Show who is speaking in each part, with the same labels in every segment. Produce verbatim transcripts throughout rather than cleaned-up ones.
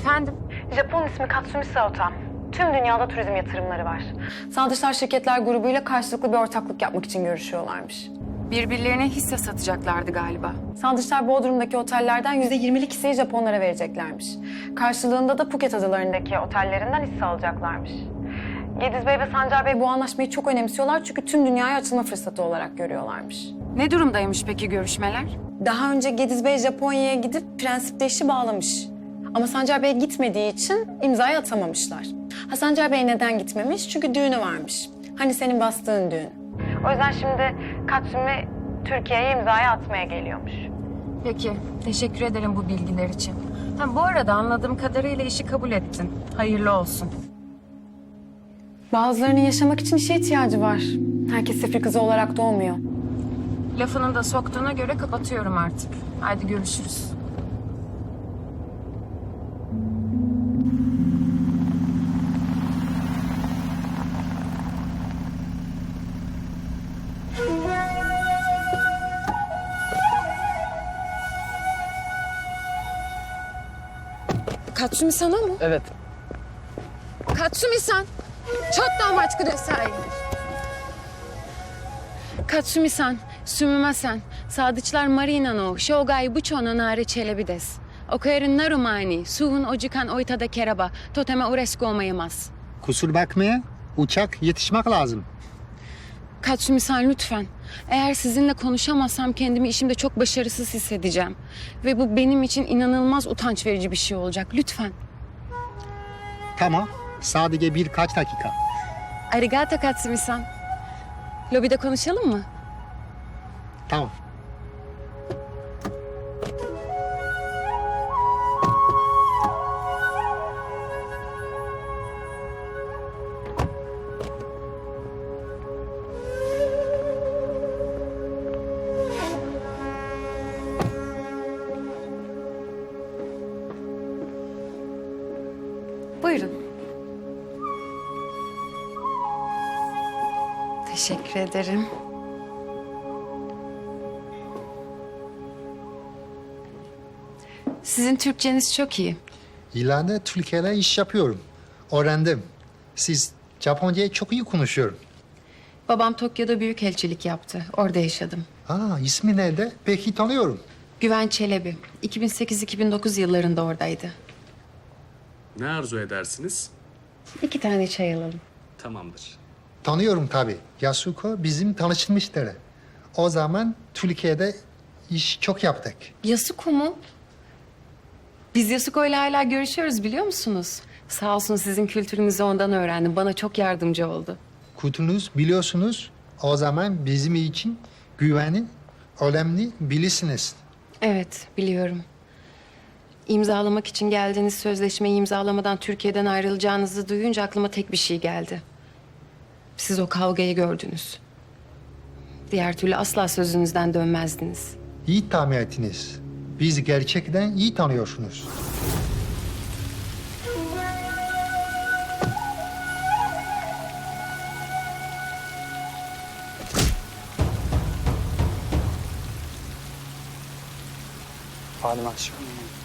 Speaker 1: Efendim?
Speaker 2: Japon ismi Katsumi Saotam. Tüm dünyada turizm yatırımları var. Sağ Şirketler grubuyla karşılıklı bir ortaklık yapmak için görüşüyorlarmış.
Speaker 1: Birbirlerine hisse satacaklardı galiba.
Speaker 2: Sağ Bodrum'daki otellerden yüzde yirmilik hisseyi Japonlara vereceklermiş. Karşılığında da Phuket adalarındaki otellerinden hisse alacaklarmış. Gediz Bey ve Sancar Bey bu anlaşmayı çok önemsiyorlar çünkü tüm dünyaya açılma fırsatı olarak görüyorlarmış.
Speaker 1: Ne durumdaymış peki görüşmeler?
Speaker 2: Daha önce Gediz Bey Japonya'ya gidip prensipte işi bağlamış. Ama Sancar Bey gitmediği için imzayı atamamışlar. Ha, Sancar Bey neden gitmemiş? Çünkü düğünü varmış. Hani senin bastığın düğün. O yüzden şimdi Katsumi Türkiye'ye imzayı atmaya geliyormuş.
Speaker 1: Peki, teşekkür ederim bu bilgiler için. Ha, bu arada anladığım kadarıyla işi kabul ettin. Hayırlı olsun.
Speaker 2: Bazılarının yaşamak için işe ihtiyacı var. Herkes sefir kızı olarak doğmuyor.
Speaker 1: Lafını da soktuğuna göre kapatıyorum artık. Haydi görüşürüz.
Speaker 3: Katsumi-san o mu?
Speaker 4: Evet.
Speaker 3: Katsumi-san! Chotto o machi kudasai.
Speaker 1: Katsumi-san, sumimasen. Sadıçlar Marina no Shogai Bucho no Nare Çelebi desu. Okuyerin naru mae ni suhun o jikan o itada kereba toteme ureshiku omoimasu.
Speaker 4: Kusur bakmaya uçak yetişmek lazım.
Speaker 1: Katsumi-san lütfen. Eğer sizinle konuşamazsam kendimi işimde çok başarısız hissedeceğim. Ve bu benim için inanılmaz utanç verici bir şey olacak. Lütfen.
Speaker 4: Tamam. Sadece birkaç dakika.
Speaker 1: Arigato Katsumi-san. Lobide konuşalım mı?
Speaker 4: Tamam.
Speaker 1: Buyurun. Teşekkür ederim. Sizin Türkçeniz çok iyi.
Speaker 4: İleride Türkiye'de iş yapıyorum. Öğrendim. Siz Japonca'yı çok iyi konuşuyorum.
Speaker 1: Babam Tokyo'da büyükelçilik yaptı. Orada yaşadım.
Speaker 4: Aa, ismi nerede? Peki tanıyorum.
Speaker 1: Güven Çelebi. iki bin sekiz iki bin dokuz yıllarında oradaydı.
Speaker 5: Ne arzu edersiniz?
Speaker 1: İki tane çay alalım.
Speaker 5: Tamamdır.
Speaker 4: Tanıyorum tabii. Yasuko bizim tanışmıştı. O zaman Türkiye'de iş çok yaptık.
Speaker 1: Yasuko mu? Biz Yasuko ile hala görüşüyoruz biliyor musunuz? Sağ olsun sizin kültürünüzü ondan öğrendim. Bana çok yardımcı oldu.
Speaker 4: Kültürünüz biliyorsunuz. O zaman bizim için güveni önemli bilirsiniz.
Speaker 1: Evet, biliyorum. İmzalamak için geldiğiniz sözleşmeyi imzalamadan Türkiye'den ayrılacağınızı duyunca aklıma tek bir şey geldi. Siz o kavgayı gördünüz. Diğer türlü asla sözünüzden dönmezdiniz.
Speaker 4: İyi tahmin ettiniz. Biz gerçekten iyi tanıyorsunuz.
Speaker 6: Falim akşam.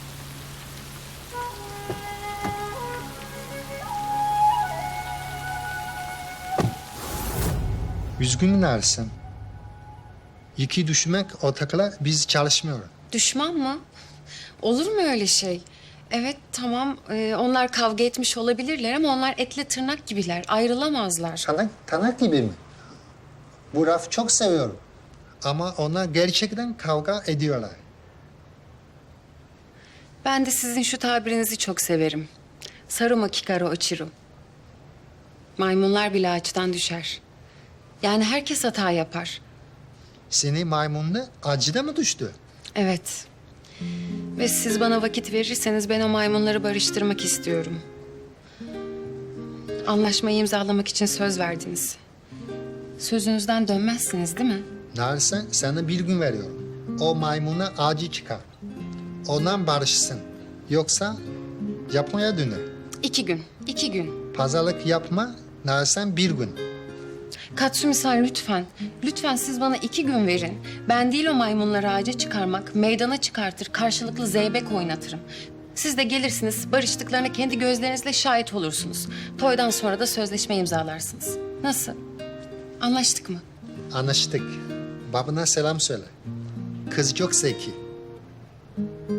Speaker 4: Üzgünüm Ersin. İki düşmek ortakla biz çalışmıyoruz.
Speaker 1: Düşman mı? Olur mu öyle şey? Evet, tamam. Ee, onlar kavga etmiş olabilirler ama onlar etle tırnak gibiler. Ayrılamazlar.
Speaker 4: Tanak, tanak gibi mi? Bu lafı çok seviyorum. Ama onlar gerçekten kavga ediyorlar.
Speaker 1: Ben de sizin şu tabirinizi çok severim. Saruma kikaru ochiru. Maymunlar bile ağaçtan düşer. Yani herkes hata yapar.
Speaker 4: Seni maymunla acıda mı düştü?
Speaker 1: Evet. Ve siz bana vakit verirseniz ben o maymunları barıştırmak istiyorum. Anlaşmayı imzalamak için söz verdiniz. Sözünüzden dönmezsiniz değil mi?
Speaker 4: Narsen sana bir gün veriyorum. O maymuna acı çıkar. Ondan barışsın. Yoksa Japonya döner.
Speaker 1: İki gün, iki gün.
Speaker 4: Pazarlık yapma, Narsen bir gün.
Speaker 1: Katsumi-san lütfen. Lütfen siz bana iki gün verin. Ben değil o maymunları ağaca çıkarmak, meydana çıkartır, karşılıklı zeybek oynatırım. Siz de gelirsiniz, barıştıklarına kendi gözlerinizle şahit olursunuz. Toydan sonra da sözleşme imzalarsınız. Nasıl? Anlaştık mı?
Speaker 4: Anlaştık. Babana selam söyle. Kız çok zeki.